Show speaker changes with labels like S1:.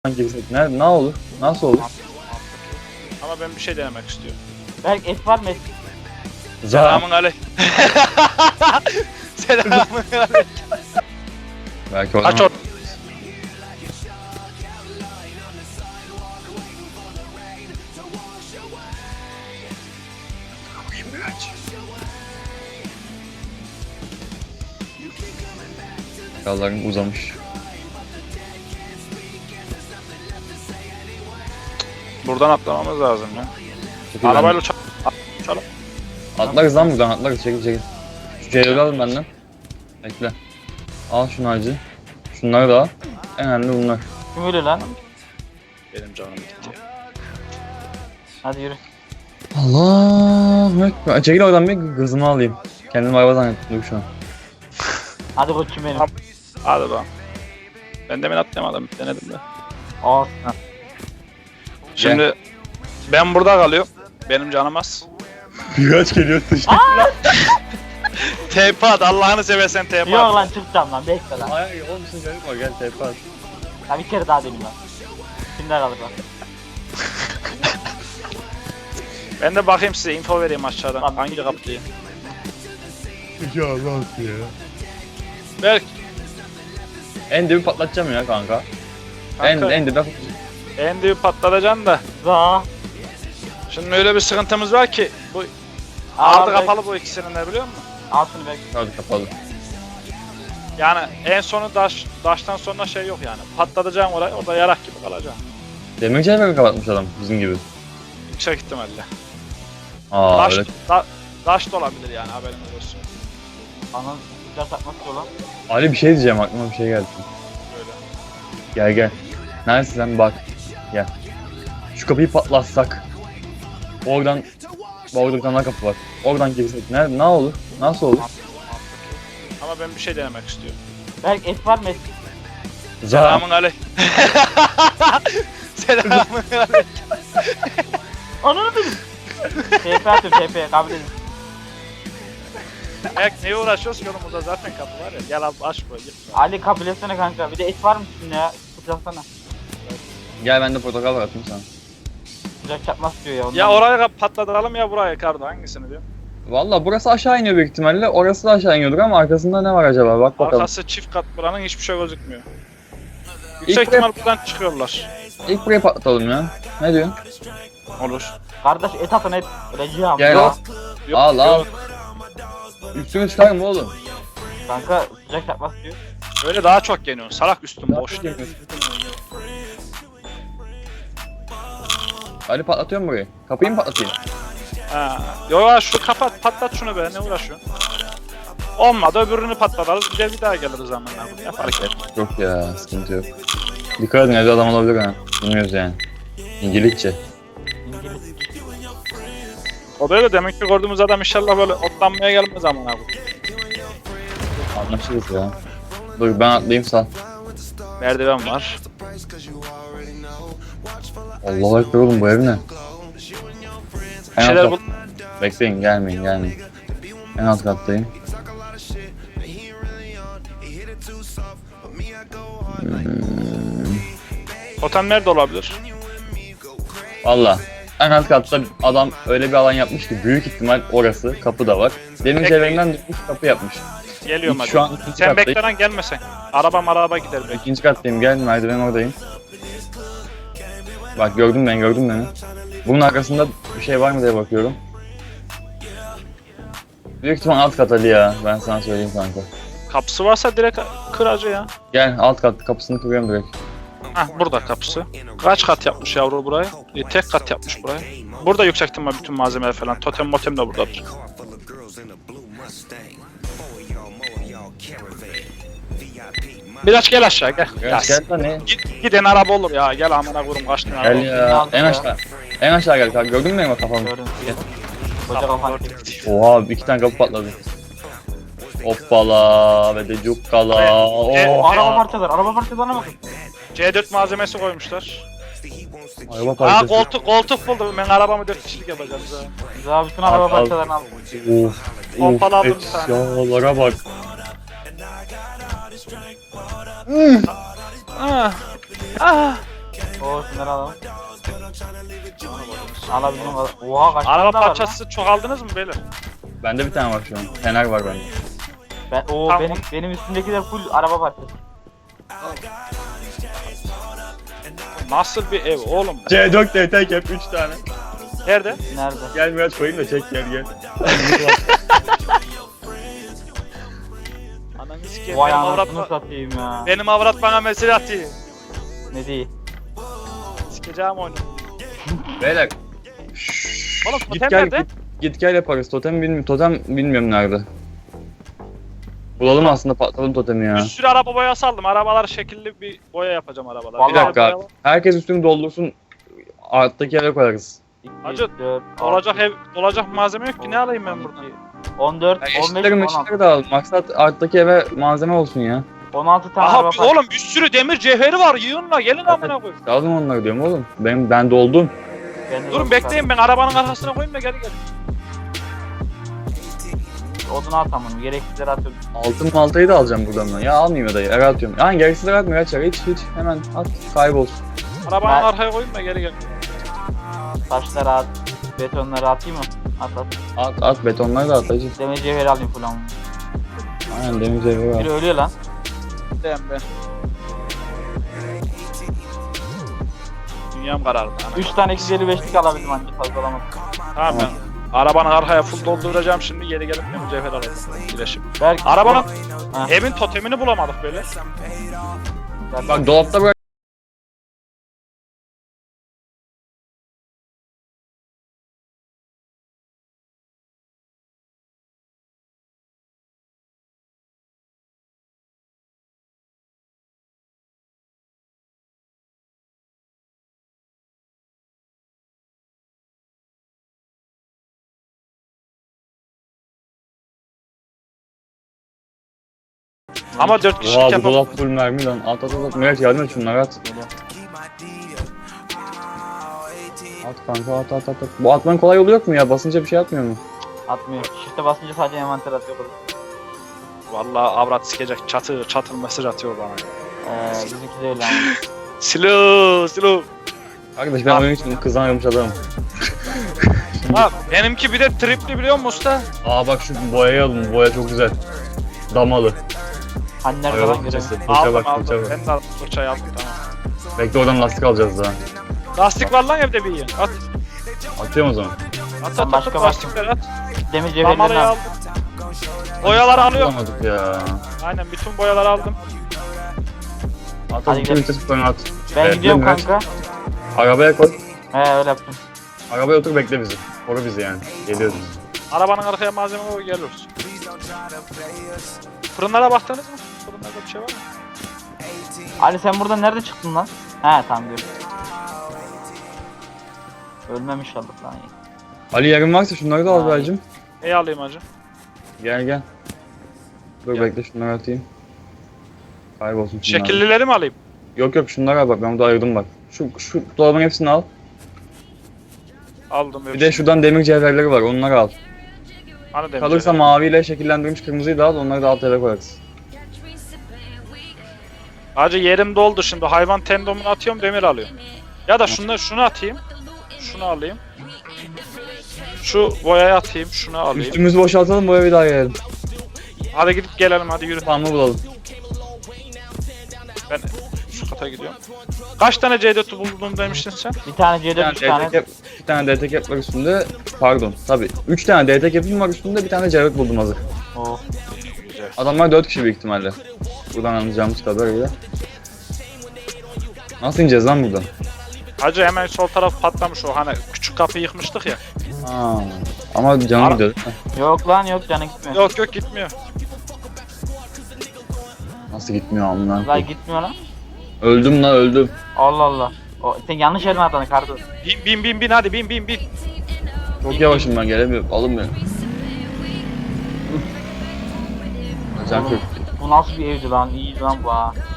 S1: girsek ne olur? Nasıl olur?
S2: Ama ben bir şey denemek istiyorum.
S3: Belki et var mı et?
S2: Selamun aleyküm. Selamun aleyküm.
S1: Belki o
S2: Kaç
S1: zaman. Yolların uzamış.
S2: Buradan atlamamız lazım ya.
S1: Çekil
S2: Arabayla
S1: benden.
S2: uçalım.
S1: Atlarız lan buradan atlarız çekil. Şu C4'ü alın benden. Bekle. Al şunu acı. Şunları da al. En önemli bunlar.
S3: Kim ölüyor lan?
S2: Benim canım gitti.
S3: Hadi yürü.
S1: Allah Ekber. Çekil oradan bir gızımı alayım. Kendimi araba zannettim şu an.
S3: Hadi koçum benim.
S2: Tamam. Hadi bakalım. Ben demin atlayamadım. Denedim de.
S3: Aa,
S2: Şimdi ben burada kalıyorum. Benim canım az.
S1: Birkaç geliyor dışarı.
S2: TP at. Allah'ını seversen TP at.
S3: yok lan çıkacağım lan bekle lan.
S1: Ay oğlum sen çocuk var gel TP at.
S3: Ya bir kere daha deneyim lan. Kimde kalır lan?
S2: Ben de bakayım size info vereyim aşağıdan.
S3: Tamam.
S2: Hangi kapı diye.
S1: Ya Allah ya.
S2: Berk.
S1: En dibi patlatacağım ya kanka.
S2: Kanka,
S1: En dibi
S2: en dibi patlatacaksın da.
S3: Za.
S2: Şimdi öyle bir sıkıntımız var ki. Bu ardı kapalı bu ikisinin de biliyor musun?
S3: Al şunu bekle.
S1: Hadi kapalı.
S2: Yani en sonu daştan sonra şey yok yani. Patlatacaksın orayı, orada yarak gibi kalacaksın.
S1: Demir çelme kapatmış adam bizim gibi.
S2: Yüksek ihtimalle.
S1: Aa
S2: Daş,
S1: öyle.
S2: daş da olabilir yani haberiniz olsun.
S3: Ananı sıcak takmak istiyor lan.
S1: Ali bir şey diyeceğim aklıma bir şey geldi.
S2: Öyle.
S1: Gel. Neredesin sen bak. Gel. Şu kapıyı patlatsak. Oradan orada bir tane daha kapı var. Oradan girsek ne olur? Nasıl olur?
S2: Ama ben bir şey denemek istiyorum.
S3: Belki et var mı et?
S2: Selamun aleyküm. Selamun aleyküm.
S3: Ananı benim. TP atıyorum TP kabul edin.
S2: Berk neye uğraşıyoruz ki oğlum, zaten kapı var ya. Gel abi aç burayı. Git.
S3: Ali kabul etsene kanka. Bir de et var mı üstünde ya? Sıcaklasana.
S1: Gel ben de portakal var atayım sana.
S3: Sıcak çakmak istiyor ya. Ondan.
S2: Ya orayı patlatalım ya burayı Kardo, hangisini diyor?
S1: Valla burası aşağı iniyor büyük ihtimalle. Orası da aşağı iniyordur ama arkasında ne var acaba? Bak bakalım.
S2: Arkası çift kat, buranın hiçbir şey gözükmüyor. Yüksek ihtimal buradan çıkıyorlar.
S1: İlk burayı patlatalım ya. Ne diyorsun?
S2: Olur.
S3: Kardeş et atın et. Öleceğim.
S1: Gel
S3: Yok.
S1: al. Al.
S2: yok.
S1: Üstünü çıkarma oğlum.
S3: Kanka sıcak çakmak istiyor.
S2: Öyle daha çok yeniyorsun. Salak üstün boş.
S1: Ali patlatıyor mu burayı? Kapıyı mı patlatayım?
S2: Ha. Yo şu kapat, patlat şunu be, ne uğraşıyorsun? Olmadı öbürünü patlatalım, bir daha geliriz zamanla. Ne fark et.
S1: Yok ya sıkıntı yok. Dikkat edin evde adam olabilir ha. Bilmiyoruz yani. İngilizce.
S3: İngiliz.
S2: O da öyle, demek ki gördüğümüz adam inşallah böyle otlanmaya gelmez zaman abi.
S1: Anlaşırız ya. Dur ben atlayayım sal.
S2: Merdiven var.
S1: Allah'a ekber oğlum bu ev ne?
S2: Bir şeyler bul.
S1: Bekleyin gelmeyin. En alt kattayım.
S2: Totem nerede olabilir?
S1: Valla en alt katta adam öyle bir alan yapmış ki büyük ihtimal orası, kapı da var. Demir
S2: Bekleyin.
S1: çevrenden düşmüş kapı yapmış.
S2: Geliyorum hadi.
S1: Şu an ikinci
S2: Sen
S1: kattayım.
S2: bekle lan, gelmesen. Araba gider belki.
S1: İkinci kattayım gel merdiven oradayım. Bak gördün beni. Bunun arkasında bir şey var mı diye bakıyorum. Büyük ihtimal alt kat Ali ya. Ben sana söyleyeyim kanka.
S2: Kapısı varsa direkt kıracı ya.
S1: Gel alt kat kapısını kırıyorum direkt.
S2: Hah, burada kapısı. Kaç kat yapmış yavru burayı? Tek kat yapmış burayı. Burada yüksek ihtimal bütün malzemeler falan. Totem motem de buradadır. Biraz gel aşağı gel.
S1: Gel lan ne?
S2: Giden araba olur ya. Gel amına koyayım, kaç tane araba
S1: Gel
S2: olur.
S1: ya. En aşağı. En aşağı gel kanka. Gördün mü benim kafamı?
S3: Gördüm. Koca kafan.
S1: Oha iki tane kapı patladı. Hoppala ve de cukkala. Oh.
S3: Araba parçalarına bakın.
S2: C4 malzemesi koymuşlar.
S1: Araba
S2: Aa,
S1: parçası.
S2: koltuk buldum. Ben arabamı 4 kişilik yapacağım size.
S3: Za bütün araba
S1: Al.
S3: parçalarını al.
S1: Of.
S2: Pompalı aldım bir tane.
S1: Efyalara bak.
S2: Ah. Ah.
S3: Oo şunları alalım. Alabildim. Oha kaç tane
S2: Araba
S3: daha var lan?
S2: parçası çok aldınız mı beyler?
S1: Bende bir tane var şu an. Fener var bende.
S2: Tamam.
S3: Benim üstümdekiler full araba parçası.
S2: Nasıl bir ev oğlum?
S1: C4 DT cap 3 tane.
S2: Nerede?
S3: Nerede?
S1: Gel biraz koyayım da çek gel.
S2: Ananı sikeyim.
S3: Vay
S2: Benim avrat,
S3: anasını satayım ya.
S2: benim avrat bana mesaj atıyor.
S3: Ne değil?
S2: Sikeceğim oyunu.
S1: Beyler.
S2: Oğlum
S1: Git
S2: totem
S1: gel
S2: nerede?
S1: git gel yaparız. Totem bilmiyorum nerede. Bulalım aslında patladım totemi ya.
S2: Bir sürü araba boyası aldım. Arabalar şekilli bir boya yapacağım arabalar.
S3: Vallahi
S1: Bir dakika
S2: boya
S1: abi.
S2: var.
S1: Herkes üstünü doldursun. Alttaki eve koyarız.
S3: 2,
S2: Hacı,
S3: 4,
S2: Olacak ev, olacak malzeme yok ki ne alayım ben buradan?
S3: 14,
S1: Ya
S3: 15,
S1: eşitleri
S3: 16.
S1: meşitleri de al. Maksat alttaki eve malzeme olsun ya.
S3: 16 tane
S2: Aha
S3: araba parçası.
S2: oğlum bir sürü demir cevheri var yığınla gelin amına koyayım.
S1: Aldım onları diyorum oğlum. Ben doldum.
S3: Ben de
S2: Durun
S3: yok
S2: bekleyin ben arabanın arkasına koyayım da gelin gelin.
S3: Odun at tamam. Gereksizleri atıyorum.
S1: Altın maltayı da alacağım buradan ben. Ya almayayım ya da yere atıyorum. Yani gereksizleri atmıyor açar. Hiç hemen at kaybolsun.
S2: Arabanın
S3: Ben-
S2: arkaya koyayım da geri gelin.
S3: Taşları at. Betonları atayım mı? At.
S1: At betonları da at hacı.
S3: Demir cevheri alayım falan.
S1: Aynen demir zevri var.
S3: Biri ölüyor lan.
S2: Ben. Dünyam karardı. ana.
S3: 3 tane 255'lik alabildim ancak fazla alamadım.
S2: Tamam ben. Arabanın arkaya full dolduracağım şimdi geri gelip demir cevher alacağım. Birleşim.
S3: Belki
S2: Arabanın
S3: Ha.
S2: evin totemini bulamadık böyle.
S1: Bak dolapta bırak.
S2: Ama 4 kişilik
S1: Oha bu
S2: yapalım.
S1: dolap full mermi lan. At. Miraç yardım et şunları at.
S3: Geliyor.
S1: At kanka at. Bu atmanın kolay yolu yok mu ya? Basınca bir şey atmıyor mu?
S3: Atmıyor. Shift'e basınca sadece envanter atıyor.
S2: Vallahi avrat sikecek çatır mesaj atıyor bana.
S3: Bizimki de öyle ama.
S2: Slow.
S1: Arkadaş ben oyun için kızamıyormuş adamım.
S2: Ha benimki bir de tripli biliyor musun usta?
S1: Aa bak şu boyayı alın. Boya çok güzel. Damalı.
S3: Hani nerede
S1: Araba
S3: lan
S1: fırçası.
S3: göremiyorum.
S1: Fırça
S2: Aldım
S1: bak
S2: aldım.
S1: fırça bak.
S2: Ben de aldım fırçayı aldım tamam.
S1: Bekle oradan lastik alacağız daha.
S2: Lastik var lan evde bir yiyin. At.
S1: Atıyorum o zaman.
S2: At
S3: başka
S2: lastikleri at.
S3: Demir cevherlerini
S2: Damarayı
S3: al.
S2: aldım. Boyaları alıyorum.
S1: Bulamadık ya.
S2: Aynen bütün boyaları aldım.
S1: At
S3: Hadi
S1: bütün
S3: gidelim.
S1: vitesi koyun at.
S3: Ben
S1: Evet,
S3: gidiyorum
S1: Miraç.
S3: kanka.
S1: Arabaya koy.
S3: Öyle yaptım.
S1: Arabaya otur bekle bizi. Koru bizi yani. Geliyoruz.
S2: Arabanın arkaya malzeme koy geliyoruz. Fırınlara baktınız mı? Fırınlarda bir şey var mı?
S3: Ali sen buradan nerede çıktın lan? He tamam gördüm. Ölmem inşallah lan.
S1: Ali yarın varsa şunları da al
S3: Ay.
S1: Belcim.
S2: İyi alayım hacı.
S1: Gel. Dur
S2: Gel.
S1: bekle şunları atayım. Kaybolsun şunlar.
S2: Şekillileri mi alayım?
S1: Yok şunlara al bak ben burada ayırdım bak. Şu dolabın hepsini al.
S2: Aldım.
S1: Bir de şuradan demir cevherleri var onları al.
S2: Hani demiş
S1: Kalırsa
S2: öyle.
S1: maviyle şekillendirilmiş kırmızıyı da al onları da alt eve koyarız.
S2: Hacı yerim doldu şimdi. Hayvan tendomunu atıyorum demir alıyorum. Ya da şunu atayım. Şunu alayım. Şu boyayı atayım. Şunu alayım.
S1: Üstümüzü boşaltalım bu evi daha gelelim.
S2: Hadi gidip gelelim hadi yürü.
S1: Tamamı bulalım.
S2: Ben şu kata gidiyorum. Kaç tane C4'ü buldum demiştin sen?
S3: Bir tane
S1: Bir
S3: C4
S1: tane
S3: 3 tane.
S1: DT cap, bir tane DT cap var üstünde. Pardon tabi. 3 tane DT cap'im var üstünde bir tane cevher buldum hazır.
S3: Oh.
S2: Güzel.
S1: Adamlar 4 kişi büyük ihtimalle. Buradan anlayacağımız kadarıyla. Nasıl ineceğiz lan buradan?
S2: Hacı hemen sol taraf patlamış o hani küçük kapıyı yıkmıştık ya.
S1: Ha. Ama canım
S2: Ara-
S1: gidiyor.
S3: Yok lan yok canı gitmiyor.
S2: Yok gitmiyor.
S1: Nasıl gitmiyor amına
S3: Lan
S1: koyayım.
S3: gitmiyor lan.
S1: Öldüm lan öldüm.
S3: Allah Allah. Sen yanlış elime attın kardı.
S2: Bin hadi bin.
S1: Çok yavaşım ben gelemiyorum. Alın beni. Can
S3: Oğlum,
S1: kök.
S3: Bu nasıl bir evdi lan? İyi lan bu ha.